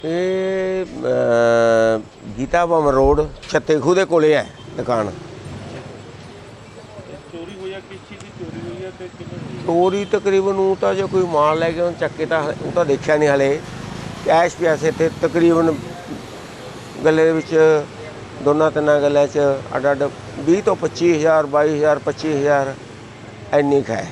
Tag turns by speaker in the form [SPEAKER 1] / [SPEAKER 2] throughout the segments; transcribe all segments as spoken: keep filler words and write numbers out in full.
[SPEAKER 1] ਇਹ ਗੀਤਾ ਭਵਨ ਰੋਡ ਛੱਤੇ ਖੂਹ ਦੇ ਕੋਲੇ ਹੈ ਦੁਕਾਨ।
[SPEAKER 2] ਚੋਰੀ ਹੋਈ ਆ, ਕਿਸ ਚੀਜ਼ ਦੀ ਚੋਰੀ ਹੋਈ ਆ ਤੇ ਕਿੰਨੇ?
[SPEAKER 1] ਚੋਰੀ ਤਕਰੀਬਨ ਉਹ ਤਾਂ ਜੇ ਕੋਈ ਮਾਲ ਲੈ ਕੇ ਉਹਨੂੰ ਚੱਕੇ ਤਾਂ ਉਹ ਤਾਂ ਦੇਖਿਆ ਨਹੀਂ ਹਲੇ। ਕੈਸ਼ ਪਿਆ ਸੀ ਤੇ ਤਕਰੀਬਨ ਗੱਲੇ ਦੇ ਵਿੱਚ ਦੋਨਾਂ ਤਿੰਨਾਂ ਗੱਲਾਂ 'ਚ ਅੱਡ ਅੱਡ ਵੀਹ ਤੋਂ ਪੱਚੀ ਹਜ਼ਾਰ ਬਾਈ ਹਜ਼ਾਰ ਪੱਚੀ ਹਜ਼ਾਰ ਇੰਨੀ ਕੁ ਹੈ।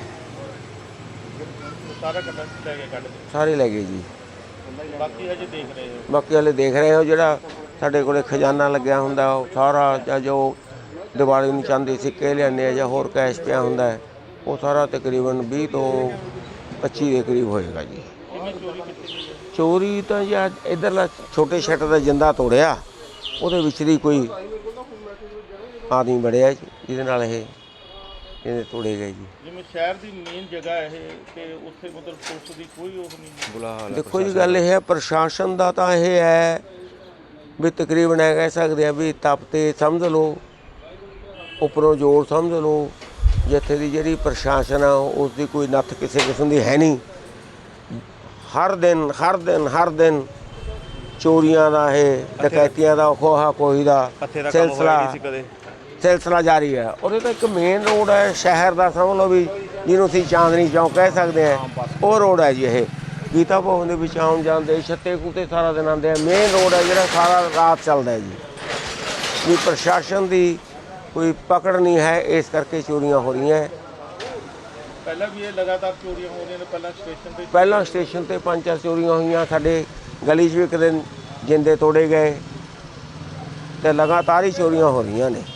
[SPEAKER 2] ਸਾਰਾ ਕੱਢ ਲੈ ਕੇ ਕੱਢ
[SPEAKER 1] ਸਾਰੇ ਲੈ ਗਏ ਜੀ।
[SPEAKER 2] ਬਾਕੀ ਹਜੇ ਦੇਖ ਰਹੇ ਹੋ?
[SPEAKER 1] ਬਾਕੀ ਹਲੇ ਦੇਖ ਰਹੇ ਹੋ। ਜਿਹੜਾ ਸਾਡੇ ਕੋਲੇ ਖਜ਼ਾਨਾ ਲੱਗਿਆ ਹੁੰਦਾ ਉਹ ਸਾਰਾ, ਜਾਂ ਜੋ ਦੀਵਾਲੀ ਨੂੰ ਚਾਂਦੀ ਸਿੱਕੇ ਲਿਆਉਂਦੇ ਆ ਜਾਂ ਹੋਰ ਕੈਸ਼ ਪਿਆ ਹੁੰਦਾ ਉਹ ਸਾਰਾ ਤਕਰੀਬਨ ਵੀਹ ਤੋਂ ਪੱਚੀ ਦੇ ਕਰੀਬ ਹੋਏਗਾ ਜੀ।
[SPEAKER 2] ਕਿੰਨੀ ਚੋਰੀ ਕੀਤੀ ਗਈ ਹੈ?
[SPEAKER 1] ਚੋਰੀ ਤਾਂ ਜੀ ਅੱਜ ਇੱਧਰਲਾ ਛੋਟੇ ਸ਼ਟਰ ਦਾ ਜਿੰਦਾ ਤੋੜਿਆ, ਉਹਦੇ ਵਿੱਚ ਦੀ ਕੋਈ ਆਦਮੀ ਵੜਿਆ ਜਿਹਦੇ ਨਾਲ ਇਹ ਇਹਦੇ ਤੋੜੇ ਗਏ ਜੀ।
[SPEAKER 2] ਜਿਵੇਂ ਸ਼ਹਿਰ ਦੀ ਮੇਨ ਜਗ੍ਹਾ ਇਹ ਤੇ ਉੱਥੇ ਮਤਲਬ ਪੁਲਿਸ ਦੀ ਕੋਈ ਉਹ ਨਹੀਂ ਬੁਲਾ ਹਾਲ?
[SPEAKER 1] ਦੇਖੋ ਜੀ, ਗੱਲ ਇਹ ਹੈ ਪ੍ਰਸ਼ਾਸਨ ਦਾ ਤਾਂ ਇਹ ਹੈ ਵੀ ਤਕਰੀਬਨ ਇਹ ਕਹਿ ਸਕਦੇ ਆ ਵੀ ਤਪ ਤੇ ਸਮਝ ਲਓ, ਉੱਪਰੋਂ ਜ਼ੋਰ ਸਮਝ ਲਓ। ਜਿੱਥੇ ਦੀ ਜਿਹੜੀ ਪ੍ਰਸ਼ਾਸਨ ਆ ਉਸ ਦੀ ਕੋਈ ਨੱਥ ਕਿਸੇ ਕਿਸਮ ਦੀ ਹੈ ਨਹੀਂ। ਹਰ ਦਿਨ ਹਰ ਦਿਨ ਹਰ ਦਿਨ ਚੋਰੀਆਂ ਦਾ ਇਹ ਡਕੈਤੀਆਂ ਦਾ ਖੋਹਾ ਕੋਈ ਦਾ ਸਿਲਸਿਲਾ ਸਿਲਸਿਲਾ ਜਾਰੀ ਹੈ। ਉਹਦੇ ਤਾਂ ਇੱਕ ਮੇਨ ਰੋਡ ਹੈ ਸ਼ਹਿਰ ਦਾ, ਸਮਝ ਲਓ ਵੀ ਜਿਹਨੂੰ ਅਸੀਂ ਚਾਂਦਨੀ ਚੌਂਕ ਕਹਿ ਸਕਦੇ ਹਾਂ, ਉਹ ਰੋਡ ਹੈ ਜੀ। ਇਹ ਗੀਤਾ ਭਵਨ ਦੇ ਵਿੱਚ ਆਉਣ ਜਾਂਦੇ ਛੱਤੇ ਖੂਹ ਤੇ ਸਾਰਾ ਦਿਨ ਆਉਂਦੇ ਆ। ਮੇਨ ਰੋਡ ਹੈ ਜਿਹੜਾ ਸਾਰਾ ਰਾਤ ਚੱਲਦਾ ਹੈ ਜੀ। ਵੀ ਪ੍ਰਸ਼ਾਸਨ ਦੀ ਕੋਈ ਪਕੜ ਨਹੀਂ ਹੈ, ਇਸ ਕਰਕੇ ਚੋਰੀਆਂ ਹੋ ਰਹੀਆਂ।
[SPEAKER 2] ਪਹਿਲਾਂ ਵੀ ਇਹ ਲਗਾਤਾਰ ਚੋਰੀਆਂ ਹੋ ਰਹੀਆਂ ਨੇ? ਪਹਿਲਾਂ ਸਟੇਸ਼ਨ ਤੇ
[SPEAKER 1] ਪਹਿਲਾਂ ਸਟੇਸ਼ਨ ਤੇ ਪੰਜ ਚਾਰ ਚੋਰੀਆਂ ਹੋਈਆਂ। ਸਾਡੇ ਗਲੀ 'ਚ ਵੀ ਇੱਕ ਦਿਨ ਜਿੰਦੇ ਤੋੜੇ ਗਏ ਤੇ ਲਗਾਤਾਰ ਹੀ ਚੋਰੀਆਂ ਹੋ ਰਹੀਆਂ ਨੇ।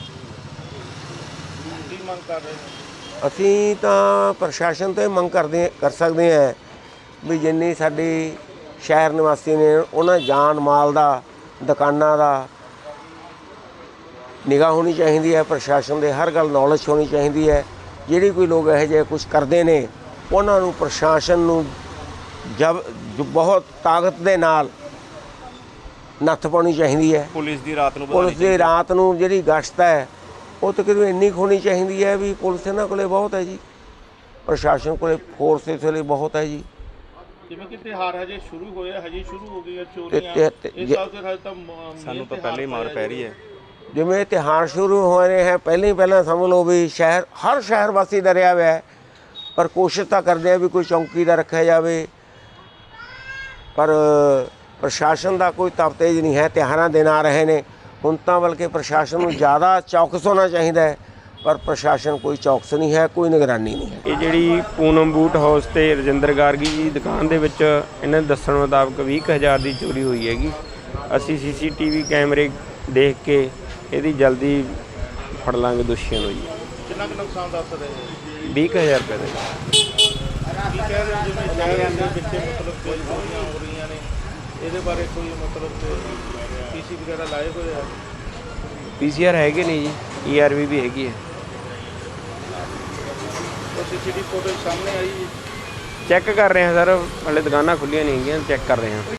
[SPEAKER 2] ਕੀ ਮੰਗ ਕਰ ਰਹੇ ਨੇ?
[SPEAKER 1] ਅਸੀਂ ਤਾਂ ਪ੍ਰਸ਼ਾਸਨ ਤੋਂ ਮੰਗ ਕਰਦੇ ਕਰ ਸਕਦੇ ਹਾਂ ਵੀ ਜਿੰਨੀ ਸਾਡੀ ਸ਼ਹਿਰ ਨਿਵਾਸੀ ਨੇ ਉਹਨਾਂ ਜਾਨ ਮਾਲ ਦਾ, ਦੁਕਾਨਾਂ ਦਾ ਨਿਗਾਹ ਹੋਣੀ ਚਾਹੀਦੀ ਹੈ। ਪ੍ਰਸ਼ਾਸਨ ਦੇ ਹਰ ਗੱਲ ਨੌਲੇਜ ਹੋਣੀ ਚਾਹੀਦੀ ਹੈ। ਜਿਹੜੀ ਕੋਈ ਲੋਕ ਇਹੋ ਜਿਹੇ ਕੁਛ ਕਰਦੇ ਨੇ ਉਹਨਾਂ ਨੂੰ ਪ੍ਰਸ਼ਾਸਨ ਨੂੰ ਜਬ ਬਹੁਤ ਤਾਕਤ ਦੇ ਨਾਲ ਨੱਥ ਪਾਉਣੀ ਚਾਹੀਦੀ ਹੈ।
[SPEAKER 2] ਪੁਲਿਸ ਦੀ ਰਾਤ ਨੂੰ
[SPEAKER 1] ਪੁਲਿਸ ਦੀ ਰਾਤ ਨੂੰ ਜਿਹੜੀ ਗਸ਼ਤ ਹੈ ਉਹ ਤਕਰੀਬਨ ਇੰਨੀ ਕੁ ਹੋਣੀ ਚਾਹੀਦੀ ਹੈ ਵੀ ਪੁਲਿਸ ਇਹਨਾਂ ਕੋਲੇ ਬਹੁਤ ਹੈ ਜੀ, ਪ੍ਰਸ਼ਾਸਨ ਕੋਲੇ ਫੋਰਸ ਇਸ ਵੇਲੇ ਬਹੁਤ ਹੈ ਜੀ।
[SPEAKER 2] ਜਿਵੇਂ ਕਿ ਤਿਉਹਾਰ ਹਜੇ ਸ਼ੁਰੂ ਹੋਇਆ, ਹਜੇ ਸ਼ੁਰੂ ਹੋ ਗਈਆਂ ਚੋਰੀਆਂ। ਇਸ ਸਾਲ ਤੇ ਹਜੇ ਤਾਂ ਸਾਨੂੰ ਤਾਂ ਪਹਿਲਾਂ ਹੀ ਮਾਰ ਪੈ ਰਹੀ ਹੈ।
[SPEAKER 1] ਜਿਵੇਂ ਤਿਉਹਾਰ ਸ਼ੁਰੂ ਹੋ ਰਹੇ ਹੈ, ਪਹਿਲਾਂ ਹੀ ਪਹਿਲਾਂ ਸਮਝ ਲਓ ਵੀ ਸ਼ਹਿਰ ਹਰ ਸ਼ਹਿਰ ਵਾਸੀ ਡਰਿਆ ਹੋਇਆ ਹੈ। ਪਰ ਕੋਸ਼ਿਸ਼ ਤਾਂ ਕਰਦੇ ਆ ਵੀ ਕੋਈ ਚੌਂਕੀਦਾਰ ਰੱਖਿਆ ਜਾਵੇ, ਪਰ ਪ੍ਰਸ਼ਾਸਨ ਦਾ ਕੋਈ ਤਫਤੀਸ਼ ਨਹੀਂ ਹੈ। ਤਿਉਹਾਰਾਂ ਦਿਨ ਆ ਰਹੇ ਨੇ ਹੁਣ ਤਾਂ, ਬਲਕਿ ਪ੍ਰਸ਼ਾਸਨ ਨੂੰ ਜ਼ਿਆਦਾ ਚੌਕਸ ਹੋਣਾ ਚਾਹੀਦਾ ਹੈ, ਪਰ ਪ੍ਰਸ਼ਾਸਨ ਕੋਈ ਚੌਕਸ ਨਹੀਂ ਹੈ, ਕੋਈ ਨਿਗਰਾਨੀ ਨਹੀਂ ਹੈ।
[SPEAKER 3] ਇਹ ਜਿਹੜੀ ਪੂਨਮ ਬੂਟ ਹਾਊਸ ਤੇ ਰਜਿੰਦਰ ਗਾਰਗੀ ਦੀ ਦੁਕਾਨ ਦੇ ਵਿੱਚ ਇਹਨਾਂ ਦੇ ਦੱਸਣ ਮੁਤਾਬਕ ਵੀਹ ਕੁ ਹਜ਼ਾਰ ਦੀ ਚੋਰੀ ਹੋਈ ਹੈਗੀ। ਅਸੀਂ ਸੀ ਸੀ ਟੀ ਵੀ ਕੈਮਰੇ ਦੇਖ ਕੇ ਇਹਦੀ ਜਲਦੀ ਫੜ ਲਾਂਗੇ ਦੋਸ਼ੀਆਂ ਨੂੰ ਜੀ।
[SPEAKER 2] ਕਿੰਨਾ ਕੁ ਨੁਕਸਾਨ ਦੱਸ ਰਹੇ ਹੋ?
[SPEAKER 3] ਵੀਹ ਕੁ ਹਜ਼ਾਰ ਰੁਪਏ ਦਾ।
[SPEAKER 2] ਕੀ ਕਹਿ ਰਹੇ ਜਿਵੇਂ ਸ਼ਹਿਰ ਦੇ ਵਿੱਚ ਮਤਲਬ ਕੋਈ ਚੋਰੀਆਂ ਹੋ ਰਹੀਆਂ ਨੇ, ਇਹਦੇ ਬਾਰੇ ਕੋਈ ਮਤਲਬ ਪੀ ਸੀ ਵਗੈਰਾ ਲਾਏ ਹੋਏ ਆ?
[SPEAKER 3] ਪੀ ਸੀ ਆਰ ਹੈਗੇ ਨੇ ਜੀ, ਈ ਆਰ ਵੀ ਵੀ ਹੈਗੀ ਹੈ।
[SPEAKER 2] ਉਹ ਸੀ ਸੀ ਟੀ ਫੋਟੋ ਸਾਹਮਣੇ ਆਈ?
[SPEAKER 3] ਚੈੱਕ ਕਰ ਰਹੇ ਹਾਂ ਸਰ, ਹਾਲੇ ਦੁਕਾਨਾਂ ਖੁੱਲ੍ਹੀਆਂ ਨਹੀਂ ਹੈਗੀਆਂ, ਚੈੱਕ ਕਰ ਰਹੇ ਹਾਂ।